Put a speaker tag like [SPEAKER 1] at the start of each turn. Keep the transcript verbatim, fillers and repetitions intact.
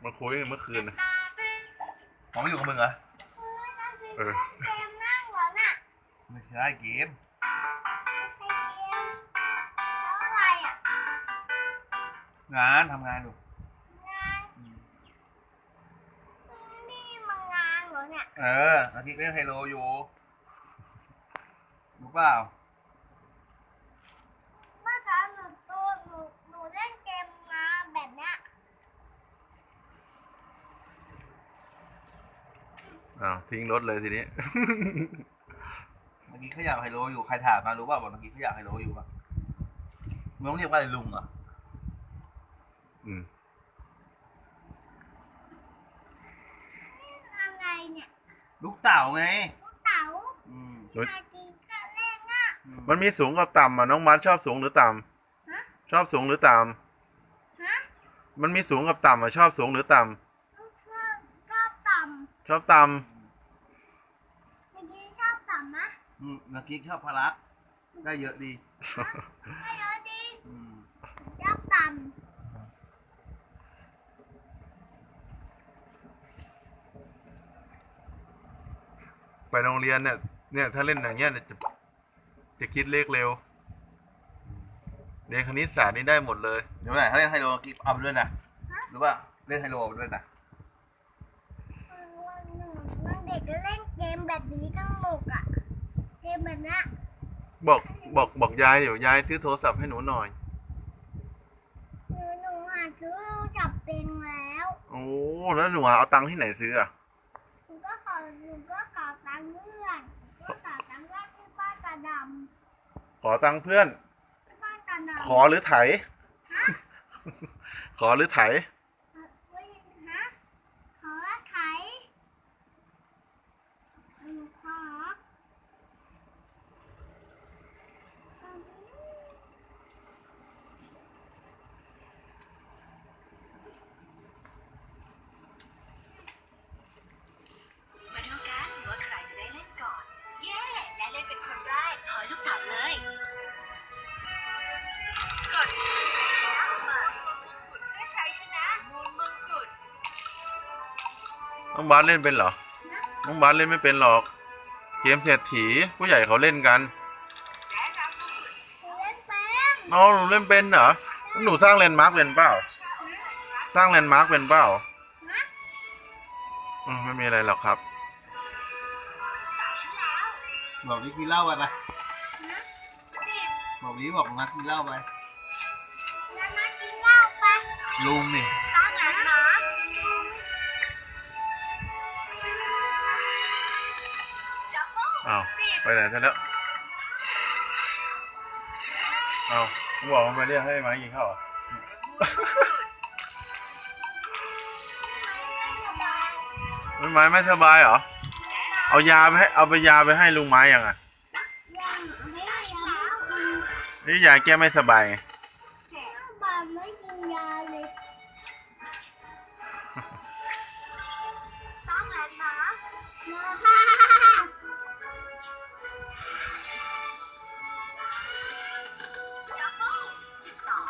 [SPEAKER 1] มาคุยเมื่อคืนนะ
[SPEAKER 2] ผมไม่อยู่กับมึงเหรอ
[SPEAKER 1] เออ
[SPEAKER 3] เกมนั่งเหรอน่ะ
[SPEAKER 2] ไม่ใช่เกม
[SPEAKER 3] ไม่ใช่เกมแล้วอะไรอ่ะ
[SPEAKER 2] งานทำงานอยู่
[SPEAKER 3] งานนี่มางานเหรอเนี่ย
[SPEAKER 2] เอออาทิตย์เล่นไฮโลอยู่รู้เปล่า
[SPEAKER 3] เมื่อก่อนหนูตัวหนูหนูเล่นเกมมาแบบเนี้ย
[SPEAKER 1] อ้าวทิ้งรถเลยทีนี้
[SPEAKER 2] เมื่อกี้เขาอยากไฮโลอยู่ใครถามมารู้เปล่าบอกเมื่อกี้เขาอยากไฮโลอยู่ป่ะมึงต้องเรียกว่าอะไรลุงเหรอ
[SPEAKER 1] อืม
[SPEAKER 3] อะไรเนี่ย
[SPEAKER 2] ลูกเต่าไง
[SPEAKER 3] ลูกเต๋า
[SPEAKER 2] อืม
[SPEAKER 3] ชากินก็เล่นอ่ะ
[SPEAKER 1] มันมีสูงกับต่ำอ่ะน้องมัดชอบสูงหรือต่
[SPEAKER 3] ฮะ
[SPEAKER 1] ำชอบสูงหรือต่
[SPEAKER 3] ฮะ
[SPEAKER 1] ำมันมีสูงกับต่ำอ่ะชอบสูงหรือต่
[SPEAKER 3] ชอบชอบต่
[SPEAKER 1] ำชอบต่
[SPEAKER 3] ำเมื่อกี้ชอบต่ำนะ
[SPEAKER 2] อืมเมื่อกี้ชอบพลักได้เยอะดี
[SPEAKER 3] ไม่เยอะดี
[SPEAKER 2] อืม
[SPEAKER 3] ชอบต่ำ
[SPEAKER 1] ำไปโรงเรียนเนี่ยเนี่ยถ้าเล่นอย่างเงี้ยจะจะคิดเลขเร็วเรียนคณิตศาสตร์นี่ได้หมดเลย
[SPEAKER 2] เดี๋ยวไหนถ้าเล่นไฮโลกิ๊บเอาไปด้วยนะรู้ป่ะเล่นไฮโลเอาไปด้วยนะ
[SPEAKER 3] วันหนึ่งวันเด็กก็เล่นเกมแบบนี้สนุกอ่ะเกมแบบนี้
[SPEAKER 1] บอกบอกบอกยายเดี๋ยวยายซื้อโทรศัพท์ให้หนูหน่อย
[SPEAKER 3] หนูหนูหาซื้อจับเป็นแล้ว
[SPEAKER 1] โอ้แล้วหนูเอาตังค์ที่ไหนซื้ออ่ะ
[SPEAKER 3] หนูก็ขอหนูก็ขอตังค์เพื่อนก็ขอตังค์เพื่อนที่บ้านตาด
[SPEAKER 1] ขอตังค์เพื่อน
[SPEAKER 3] ำที่บ้านตาดำ
[SPEAKER 1] ขอหรือไถขอหรือไถ
[SPEAKER 3] ฮะขอไถหนูขอ
[SPEAKER 4] มาดูกันว่าใครจะได้เล่นก่อน เย้และเล่นเป็นคนแรกถอยลูกเต๋าเลยกดแล้วมามูลมงกุฎเพื่อชัยชนะมูลมงกุฎ
[SPEAKER 1] น้องบาสเล่นเป็นเหรอน้องบาสเล่นไม่เป็นหรอกเกมเศรษฐีผู้ใหญ่เขาเล่นกัน
[SPEAKER 4] และรับมงกุฎ
[SPEAKER 3] หนูเล่นเป็น
[SPEAKER 1] น้องหนูเล่นเป็นเหรอหนูสร้างแลนด์มาร์กเป็นเปล่าสร้างแลนด์มาร์กเป็นเปล่า
[SPEAKER 3] ฮะ
[SPEAKER 1] อืมไม่มีอะไรหรอกครับ
[SPEAKER 2] บอกนี้กินเหล้าไปไป
[SPEAKER 3] ฮะ
[SPEAKER 4] สิบ
[SPEAKER 2] บอกนี้บอกนัดกินเหล้าไป
[SPEAKER 3] แล้วนัดกินเหล้าไปะ
[SPEAKER 2] ลุงนี่
[SPEAKER 4] สร้างแลนด์มาร์คดับเบิ้ล
[SPEAKER 1] อ้าว
[SPEAKER 4] สิบ
[SPEAKER 1] ไปไหนซะแล้วอ้าวผมบอกมันไปเรียกให้มากินข้าวเหรอไม่ไม้ไม่สบายเหรอเอายาไปให้เอาไปยาไปให้ลุงไม้ยังอ่ะ
[SPEAKER 3] ยังไม่ได้ยาไม่กิน
[SPEAKER 1] นี่ยาแก้ไม่สบายไง
[SPEAKER 3] บาไม่กินยาเลย
[SPEAKER 4] สร้างแลนด์มาร์ค
[SPEAKER 3] มาฮ่าฮ่าฮ่า